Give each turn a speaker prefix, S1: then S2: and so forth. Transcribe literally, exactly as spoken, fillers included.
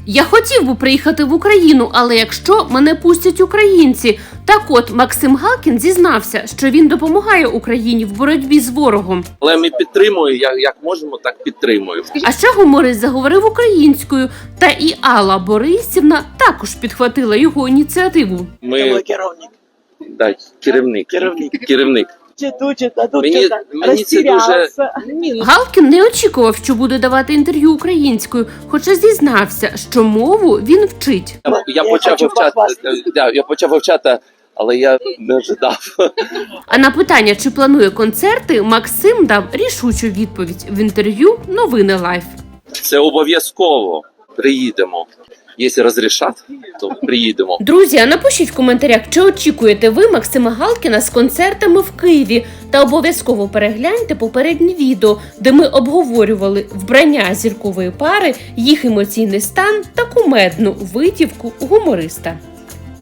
S1: Я хотів би приїхати в Україну, але якщо мене пустять українці. Так от, Максим Галкін зізнався, що він допомагає Україні в боротьбі з ворогом.
S2: Але ми підтримуємо, як, як можемо, так підтримуємо.
S1: А ще гуморист заговорив українською, та і Алла Борисівна також підхватила його ініціативу.
S2: Ми...
S3: керівник.
S2: Да, керівник.
S3: Керівник.
S2: Керівник.
S3: Читу, а тут
S2: Мені, мені це дуже...
S1: Галкін не очікував, що буде давати інтерв'ю українською, хоча зізнався, що мову він вчить.
S2: Я, я,
S3: Я
S2: почав
S3: хочу
S2: вивчати,
S3: похвастатись.
S2: да, я почав вивчати, але я не ожидав.
S1: А на питання, чи планує концерти, Максим дав рішучу відповідь в інтерв'ю «Новини Лайф».
S2: Це обов'язково. Приїдемо. Якщо розрішать, то приїдемо.
S1: Друзі, а напишіть в коментарях, чи очікуєте ви Максима Галкіна з концертами в Києві. Та обов'язково перегляньте попереднє відео, де ми обговорювали вбрання зіркової пари, їх емоційний стан та кумедну витівку гумориста.